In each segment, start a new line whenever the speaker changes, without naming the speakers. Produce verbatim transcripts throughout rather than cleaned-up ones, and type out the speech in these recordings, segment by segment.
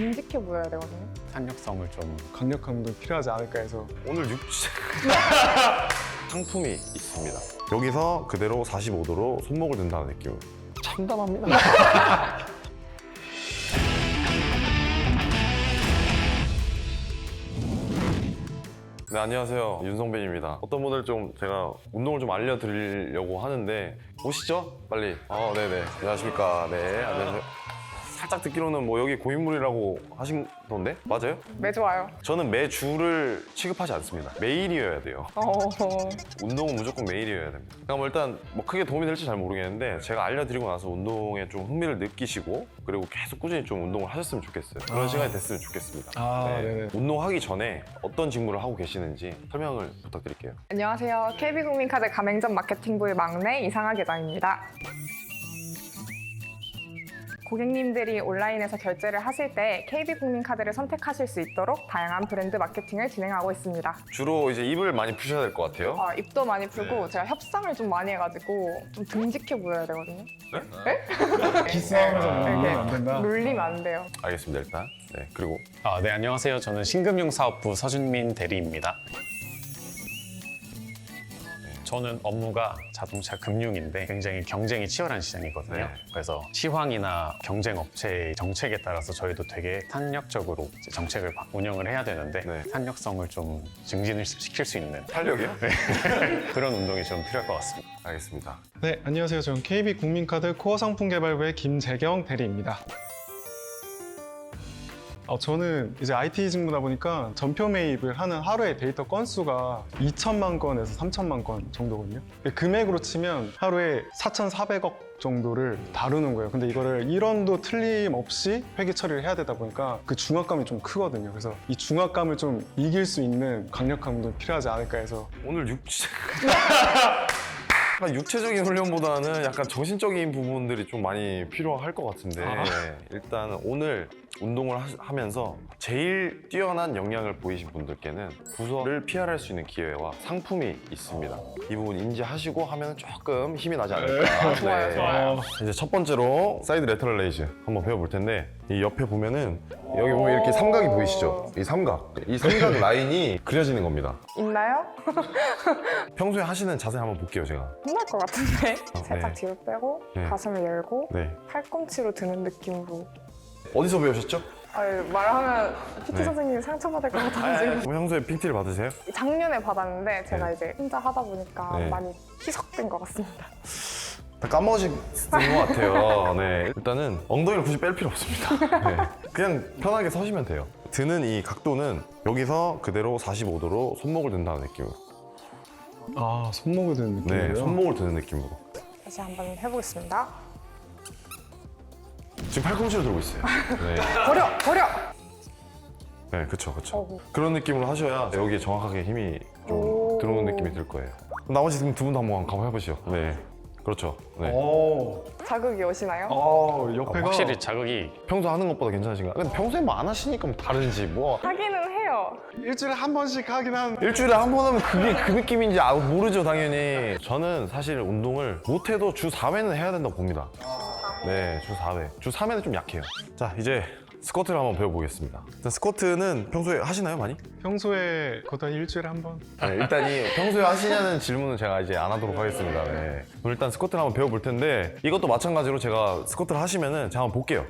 듬직해 보여야 되거든요.
탄력성을 좀
강력한 운동이 필요하지 않을까 해서.
오늘 육체 상품이 있습니다. 여기서 그대로 사십오 도로 손목을 든다는 느낌. 참담합니다. 네, 안녕하세요. 윤성빈입니다. 어떤 분들 좀 제가 운동을 좀 알려드리려고 하는데 오시죠? 빨리. 어, 네네. 안녕하십니까. 네, 안녕하세요. 살짝 듣기로는 뭐 여기 고인물이라고 하신 건데? 맞아요?
매주 와요.
저는 매주를 취급하지 않습니다. 매일이어야 돼요.
어...
운동은 무조건 매일이어야 됩니다. 그러니까 뭐 일단 뭐 크게 도움이 될지 잘 모르겠는데 제가 알려드리고 나서 운동에 좀 흥미를 느끼시고 그리고 계속 꾸준히 좀 운동을 하셨으면 좋겠어요. 그런
아.
시간이 됐으면 좋겠습니다.
아, 네네.
운동하기 전에 어떤 직무를 하고 계시는지 설명을 부탁드릴게요.
안녕하세요. 케이비국민카드 가맹점 마케팅부의 막내 이상하 계장입니다. 고객님들이 온라인에서 결제를 하실 때 케이비국민카드를 선택하실 수 있도록 다양한 브랜드 마케팅을 진행하고 있습니다.
주로 이제 입을 많이 푸셔야 될 것 같아요.
아, 입도 많이 풀고
네.
제가 협상을 좀 많이 해가지고 좀 듬직해 보여야 되거든요.
기싸움에서
네,
놀리면
네.
안 된다.
놀리면 안 돼요.
알겠습니다, 일단. 네, 그리고
아, 네, 안녕하세요. 저는 신금융사업부 서준민 대리입니다. 저는 업무가 자동차 금융인데 굉장히 경쟁이 치열한 시장이거든요.
네.
그래서 시황이나 경쟁 업체의 정책에 따라서 저희도 되게 탄력적으로 이제 정책을 바- 운영을 해야 되는데
네.
탄력성을 좀 증진을 시킬 수 있는
탄력이요?
그런 운동이 좀 필요할 것 같습니다.
알겠습니다.
네, 안녕하세요. 저는 케이비국민카드 코어 상품 개발부의 김재경 대리입니다. 어, 저는 이제 아이티 직무다 보니까 전표 매입을 하는 하루의 데이터 건수가 이천만 건에서 삼천만 건 정도거든요. 금액으로 치면 하루에 사천사백억 정도를 다루는 거예요. 근데 이거를 일 원도 틀림없이 회계 처리를 해야 되다 보니까 그 중압감이 좀 크거든요. 그래서 이 중압감을 좀 이길 수 있는 강력한 운동이 필요하지 않을까 해서.
오늘 육체... 약간 육체적인 훈련보다는 약간 정신적인 부분들이 좀 많이 필요할 것 같은데
아.
일단 오늘 운동을 하- 하면서 제일 뛰어난 역량을 보이신 분들께는 부서를 피할할 수 있는 기회와 상품이 있습니다. 이 부분 인지하시고 하면 조금 힘이 나지 않을까.
좋아요, 좋아요.
이제 첫 번째로 사이드 레터럴 레이즈 한번 배워볼 텐데 이 옆에 보면은 여기 보면 이렇게 삼각이 보이시죠? 이 삼각, 이 삼각 라인이 그려지는 겁니다.
있나요?
평소에 하시는 자세 한번 볼게요, 제가.
혼날 것 같은데? 살짝
네.
뒤로 빼고
네.
가슴을 열고
네.
팔꿈치로 드는 느낌으로.
어디서 배우셨죠?
아유, 말하면 피티
네.
선생님이 상처받을 것 같아가지고
평소에 핑티를 받으세요?
작년에 받았는데 제가
네.
이제 혼자 하다 보니까
네.
많이 희석된 것 같습니다.
다 까먹으신 것 같아요. 네. 일단은 엉덩이를 굳이 뺄 필요 없습니다. 네. 그냥 편하게 서시면 돼요. 드는 이 각도는 여기서 그대로 사십오 도로 손목을 든다는 느낌으로.
아, 손목을 드는 느낌이에요?
네, 손목을 드는 느낌으로.
다시 한번 해보겠습니다.
지금 팔꿈치를 들고 있어요. 네,
버려! 버려!
네, 그쵸, 그쵸.
어구.
그런 느낌으로 하셔야 여기에 정확하게 힘이 좀
오.
들어오는 느낌이 들 거예요. 그럼 나머지 지금 두 분도 한번 가보 해보시죠. 네, 그렇죠. 네.
오,
자극이 오시나요?
어,
아,
옆에가
확실히 자극이
평소 하는 것보다 괜찮으신가요? 근데 평소에 뭐 안 하시니까 뭐 다른지 뭐.
하기는 해요.
일주일에 한 번씩 하긴 한.
일주일에 한 번 하면 그게 그 느낌인지 아, 모르죠, 당연히. 저는 사실 운동을 못해도 주 사 회는 해야 된다고 봅니다. 네, 주 사 회. 주 삼 회는 좀 약해요. 자, 이제 스쿼트를 한번 배워보겠습니다. 일단 스쿼트는 평소에 하시나요, 많이?
평소에 거의 한 일주일에 한 번.
네, 일단 이 평소에 하시냐는 질문은 제가 이제 안 하도록 하겠습니다. 네. 그럼 일단 스쿼트를 한번 배워볼 텐데 이것도 마찬가지로 제가 스쿼트를 하시면은 제가 한번 볼게요.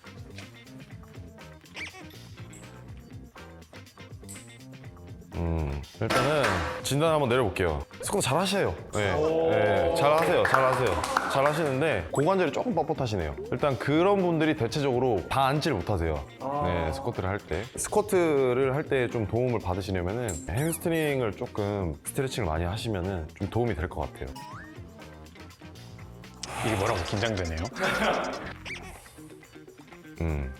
음, 일단은 진단 한번 내려볼게요. 스쿼트 잘 하세요. 네, 네, 잘 하세요. 잘 하세요. 잘 하시는데 고관절이 조금 뻣뻣하시네요. 일단 그런 분들이 대체적으로 다 앉지를 못하세요. 네, 스쿼트를 할 때. 스쿼트를 할 때 좀 도움을 받으시려면은 햄스트링을 조금 스트레칭을 많이 하시면은 좀 도움이 될 것 같아요.
이게 뭐라고 긴장되네요.
음.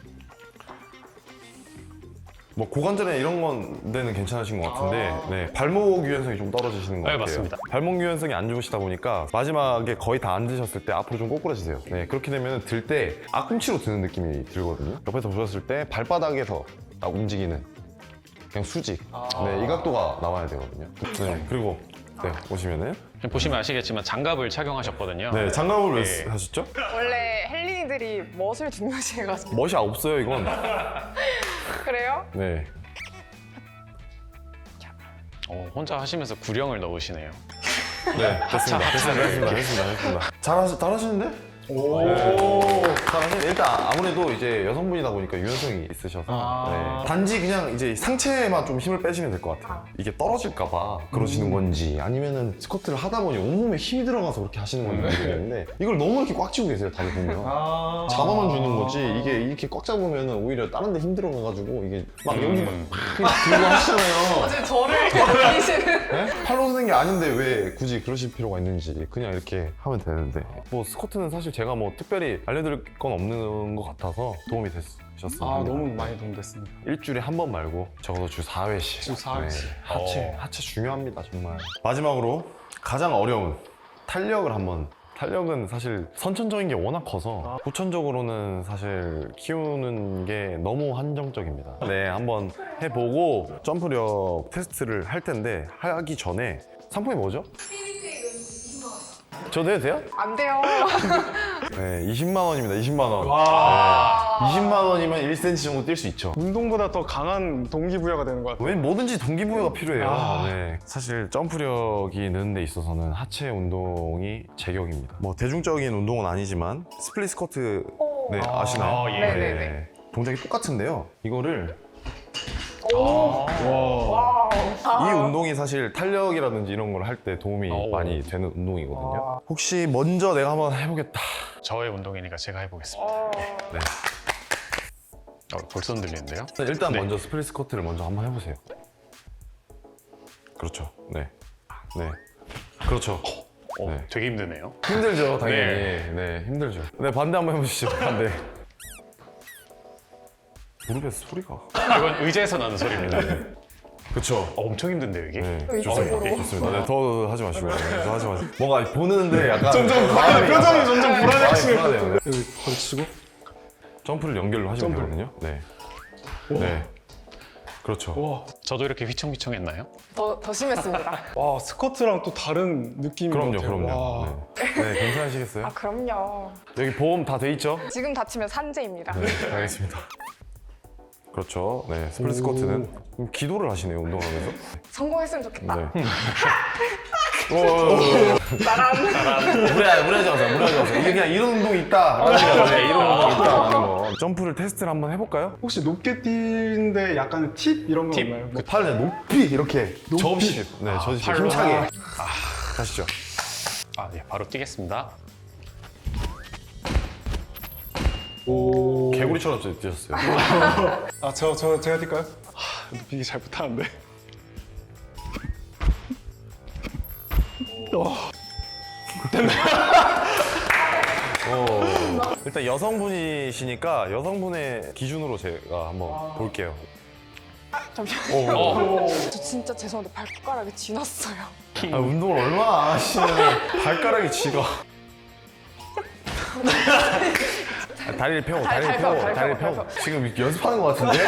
뭐 고관절에 이런 건 데는 괜찮으신 것 같은데 네, 발목 유연성이 좀 떨어지시는 것
네,
같아요.
맞습니다.
발목 유연성이 안 좋으시다 보니까 마지막에 거의 다 앉으셨을 때 앞으로 좀 꼬꾸라지세요. 네, 그렇게 되면 들 때 앞꿈치로 드는 느낌이 들거든요. 옆에서 보셨을 때 발바닥에서 딱 움직이는 그냥 수직. 네, 이 각도가 나와야 되거든요. 네, 그리고 네, 보시면은
보시면 아시겠지만 장갑을 착용하셨거든요.
네, 장갑을 왜
네.
하셨죠?
원래 헬린이들이 멋을 중요시해가지고
멋이 없어요, 이건.
그래요?
네.
어, 혼자 하시면서 구령을 넣으시네요.
네, 됐습니다. 됐습니다. 됐습니다. 됐습니다. 됐습니다. 잘하시, 잘하시는데? 네. 잘하시는데 일단 아무래도 이제 여성분이다 보니까 유연성이 있으셔서
아.
네. 단지 그냥 이제 상체에만 좀 힘을 빼시면 될 것 같아요. 이게 떨어질까봐 그러시는 건지 아니면은 스쿼트를 하다 보니 온몸에 힘이 들어가서 그렇게 하시는 건지 모르겠는데 이걸 너무 이렇게 꽉 쥐고 계세요, 다들 보면.
아.
잡아만 주는 거지 이게 이렇게 꽉 잡으면 오히려 다른 데 힘들어가가지고 이게 막 여기 막
음.
들고 하시잖아요.
지금 저를 보이시는.
네? 팔로 쓰는 게 아닌데 왜 굳이 그러실 필요가 있는지 그냥 이렇게 하면 되는데 뭐 스쿼트는 사실 제가 뭐 특별히 알려드릴 건 없는 것 같아서 도움이 되셨습니다.
아, 너무 많이 도움됐습니다.
일주일에 한 번 말고 적어도 주 사 회씩
주 사 회씩.
하체,
어.
하체 중요합니다 정말. 마지막으로 가장 어려운 탄력을 한번 탄력은 사실 선천적인 게 워낙 커서 후천적으로는 사실 키우는 게 너무 한정적입니다. 네, 한번 해보고 점프력 테스트를 할 텐데 하기 전에 상품이 뭐죠? 저도 해도 돼요?
안 돼요.
네, 이십만 원입니다. 이십만 원. 네, 이십만 원이면 일 센티미터 정도 뛸 수 있죠.
운동보다 더 강한 동기부여가 되는 것 같아요.
왜 뭐든지 동기부여가 필요해요.
아.
네. 사실 점프력이 느는 데 있어서는 하체 운동이 제격입니다. 뭐 대중적인 운동은 아니지만 스플릿 스쿼트 네,
오.
아시나요?
아, 예.
네네네.
동작이 똑같은데요. 이거를
오.
와.
와우.
이 운동이 사실 탄력이라든지 이런 걸 할 때 도움이
오.
많이 되는 운동이거든요.
와.
혹시 먼저 내가 한번 해보겠다.
저의 운동이니까 제가 해보겠습니다.
어.
네.
어, 벌써 흔들리는데요?
일단
네.
먼저 스플릿 스쿼트를 먼저 한번 해보세요. 그렇죠. 네. 네. 그렇죠.
어,
네.
되게 힘드네요.
힘들죠, 당연히.
네.
네, 힘들죠. 네, 반대 한번 해보시죠. 반대. 무릎에 소리가.
이건 의자에서 나는 소리입니다.
그렇죠.
어, 엄청 힘든데요, 이게?
네,
이쪽으로.
좋습니다. 좋습니다. 네, 더 하지 마시고. 네, 더 하지 마시고. 뭔가 보는데 약간.
점점
마음이
표정이
약간-
점점
마음이
불안해지는
불안해요. 네.
여기 걸치고.
점프를 연결로 하시면
점프를.
되거든요. 네. 네. 그렇죠.
와.
저도 이렇게 휘청휘청했나요?
더, 더 심했습니다.
와, 스쿼트랑 또 다른 느낌인
그럼요,
것 같아요.
그럼요.
와.
네. 네, 괜찮으시겠어요?
아, 그럼요.
여기 보험 다 돼 있죠?
지금 다치면 산재입니다.
네, 알겠습니다. 그렇죠. 네, 스플릿 스쿼트는 기도를 하시네요, 운동하면서.
성공했으면 좋겠다.
네. 무리하지, 무리하지 마세요, 무리하지 마세요. 이게 그냥 이런 운동이 있다. 네, 이런 운동이 있다. 라는 거. 점프를 테스트를 한번 해볼까요?
혹시 높게 뛰는데 약간 팁 이런 거
팁.
없나요? 뭐
팔을 높이 이렇게 접시. 네, 접시.
팔로.
힘차게. 아, 가시죠.
아, 네, 바로 뛰겠습니다.
오.
개구리처럼 뛰셨어요.
아, 저, 저, 제가 뛸까요? 하, 높이기 잘 못하는데.
어, 일단 여성분이시니까 여성분의 기준으로 제가 한번 볼게요.
잠시만요.
어.
저 진짜 죄송한데 발가락이 지났어요.
아, 운동을 얼마나 안 하시면 발가락이 지가. 아, 다리를 펴고,
다리,
다리를
다리
펴고,
펴고, 다리
다리를
펴고,
펴고. 지금 연습하는 것 같은데?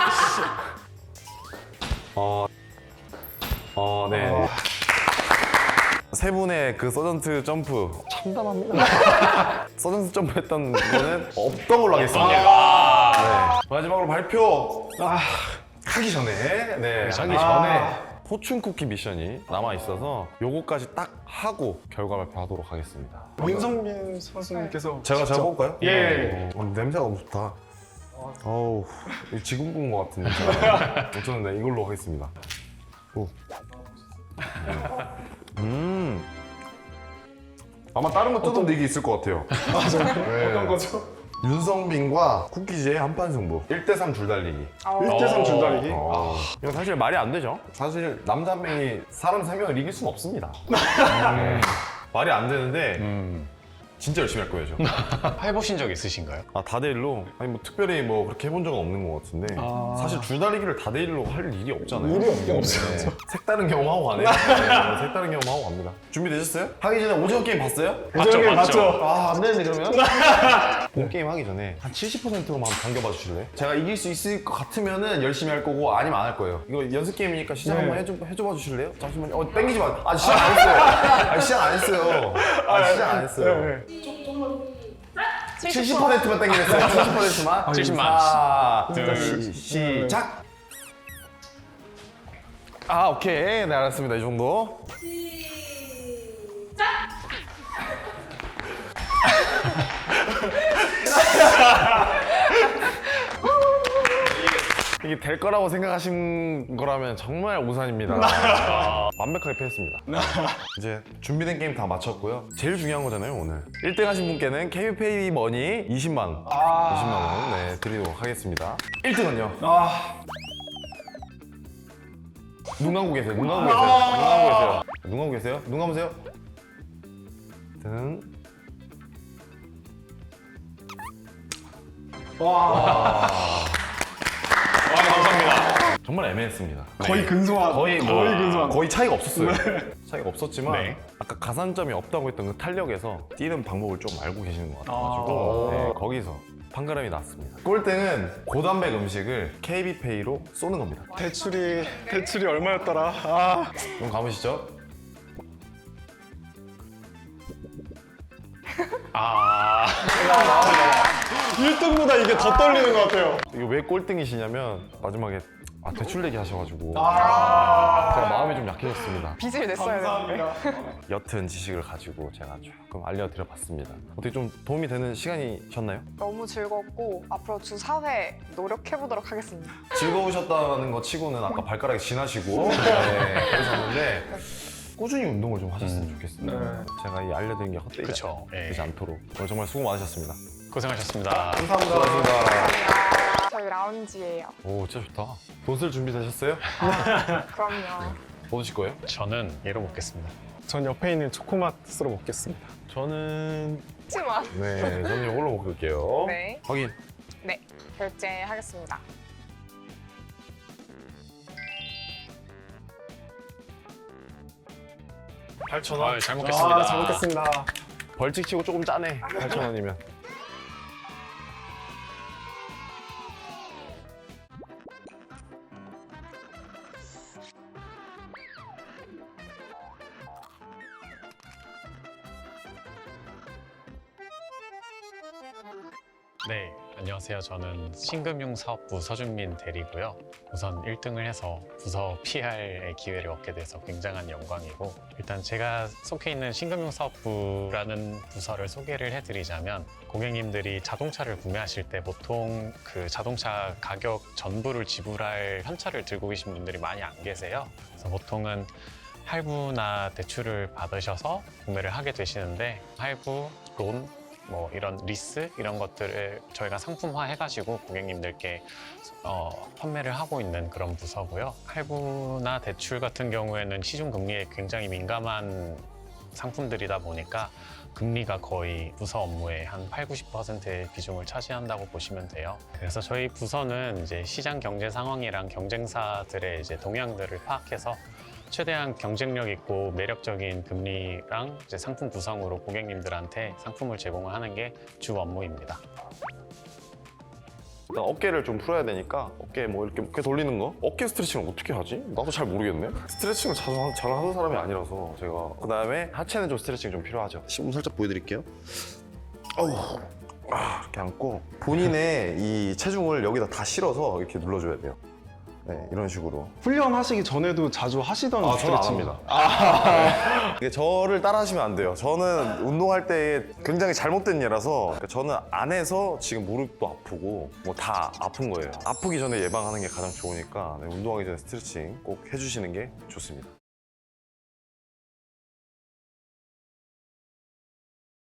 어, 어, 네. 세 분의 그 서전트 점프 참담합니다. 서전트 점프 했던 거는 없던 걸로 하겠습니다. 네. 마지막으로 발표. 아, 하기 전에, 네, 하기 전에 포춘 쿠키 미션이 남아 있어서 요거까지 딱 하고 결과 발표하도록 하겠습니다.
윤성민 선수님께서
제가 제가 볼까요?
예.
어, 냄새가 너무 좋다. 어우, 이거 지금 구운 것 같은 냄새. 저는 네, 이걸로 하겠습니다. 오. 음. 아마 다른 거 뜯은 얘기 있을 것 같아요. 네.
어떤 거죠?
윤성빈과 쿠키즈의 한판 승부. 일 대 삼 줄달리기.
일 대 삼 줄다리기?
어. 이거 사실 말이 안 되죠. 사실 남자 한 명이 사람 세 명을 이길 수는 없습니다. 네. 말이 안 되는데
음,
진짜 열심히 할 거예요, 저.
해보신 적 있으신가요?
아, 다대일로? 아니 뭐 특별히 뭐 그렇게 해본 적은 없는 것 같은데
아.
사실 줄다리기를 다대일로 할 일이 없잖아요.
일이 없긴 없어요.
네. 색다른 경험하고 가네요. 네, 색다른 경험하고 갑니다. 준비되셨어요? 하기 전에 오징어 게임 봤어요?
맞죠,
오징어
맞죠.
맞죠?
아, 안 되는데 그러면? 본 게임 하기 전에 한 칠십 퍼센트로만 한번 당겨봐 주실래요? 제가 이길 수 있을 것 같으면은 열심히 할 거고 아니면 안 할 거예요. 이거 연습 게임이니까 시작
네.
한번 해줘, 해줘봐 주실래요? 잠시만요. 어, 땡기지 마. 아, 시작 안 했어요. 아, 시작 안 했어요. 아, 시작 안 했어요.
네.
칠십 퍼센트만 땡기겠어요. 칠십 퍼센트만.
칠십만.
자,
둘,
시, 시작. 아, 오케이. 네, 알았습니다. 이 정도. 이게 될 거라고 생각하신 거라면 정말 오산입니다. 완벽하게 패했습니다. 이제 준비된 게임 다 마쳤고요. 제일 중요한 거잖아요, 오늘. 일 등 하신 분께는 케이비페이 머니 이십만 원. 이십만 원 네, 드리도록 하겠습니다. 일 등은요? 눈 감고 계세요. 눈 감고 계세요. 눈 감고 계세요. 눈 감고 계세요. 눈 감으세요. 등.
와, 감사합니다.
정말 애매했습니다.
거의 근소한.
거의 뭐
거의 근소한.
거의 차이가 없었어요. 차이가 없었지만
네.
아까 가산점이 없다고 했던 그 탄력에서 뛰는 방법을 좀 알고 계시는 것 같아가지고 네, 거기서 판가름이 났습니다. 꼴등은 고단백 음식을 케이비페이로 쏘는 겁니다.
대출이 대출이 얼마였더라? 아.
좀 감으시죠?
아,
일 등보다 이게 더 떨리는 것 같아요.
이게 왜 꼴등이시냐면 마지막에 아, 대출 내기 하셔가지고 제가 마음이 좀 약해졌습니다.
빚을 냈어야 되는데.
옅은 지식을 가지고 제가 조금 알려드려봤습니다. 어떻게 좀 도움이 되는 시간이셨나요?
너무 즐겁고 앞으로 주 사 회 노력해보도록 하겠습니다.
즐거우셨다는 거 치고는 아까 발가락이 지나시고 네, 그러셨는데 꾸준히 운동을 좀 하셨으면 좋겠습니다.
네.
제가 이 알려드린 게 헛되지
그쵸. 예.
되지 않도록 오늘 정말 수고 많으셨습니다.
고생하셨습니다.
감사합니다. 고맙습니다.
저희 라운지예요.
오, 진짜 좋다. 돈 쓸 준비 되셨어요?
그럼요.
뭐 드실 거예요?
저는 얘로 먹겠습니다.
전 옆에 있는 초코맛으로 먹겠습니다.
저는
하지만
네, 저는 이걸로 먹을게요.
네.
확인.
네, 결제하겠습니다.
팔천
아, 잘 먹겠습니다.
아, 잘 먹겠습니다.
벌칙 치고 조금 짜네. 팔천 원이면.
네, 안녕하세요. 저는 신금융사업부 서준민 대리고요. 우선 일 등을 해서 부서 피알의 기회를 얻게 돼서 굉장한 영광이고, 일단 제가 속해 있는 신금융사업부라는 부서를 소개를 해드리자면, 고객님들이 자동차를 구매하실 때 보통 그 자동차 가격 전부를 지불할 현찰을 들고 계신 분들이 많이 안 계세요. 그래서 보통은 할부나 대출을 받으셔서 구매를 하게 되시는데, 할부, 론, 뭐 이런 리스 이런 것들을 저희가 상품화 해가지고 고객님들께 어, 판매를 하고 있는 그런 부서고요. 할부나 대출 같은 경우에는 시중 금리에 굉장히 민감한 상품들이다 보니까 금리가 거의 부서 업무의 한 팔, 구십 퍼센트의 비중을 차지한다고 보시면 돼요. 그래서 저희 부서는 이제 시장 경제 상황이랑 경쟁사들의 이제 동향들을 파악해서 최대한 경쟁력 있고 매력적인 금리랑 이제 상품 구성으로 고객님들한테 상품을 제공을 하는 게 주 업무입니다.
일단 어깨를 좀 풀어야 되니까 어깨 뭐 이렇게 어깨 돌리는 거? 어깨 스트레칭을 어떻게 하지? 나도 잘 모르겠네. 스트레칭을 자주 하- 잘 하는 사람이 아니라서 제가 그 다음에 하체는 좀 스트레칭 좀 필요하죠. 시범 살짝 보여드릴게요. 어우, 아, 이렇게 앉고 본인의 이 체중을 여기다 다 실어서 이렇게 눌러줘야 돼요. 네, 이런 식으로.
훈련하시기 전에도 자주 하시던
아, 저는 안
스트레칭.
합니다. 이게 저를 따라 하시면 안 돼요. 저는 운동할 때 굉장히 잘못된 예라서 저는 안 해서 지금 무릎도 아프고 뭐 다 아픈 거예요. 아프기 전에 예방하는 게 가장 좋으니까 네, 운동하기 전에 스트레칭 꼭 해주시는 게 좋습니다.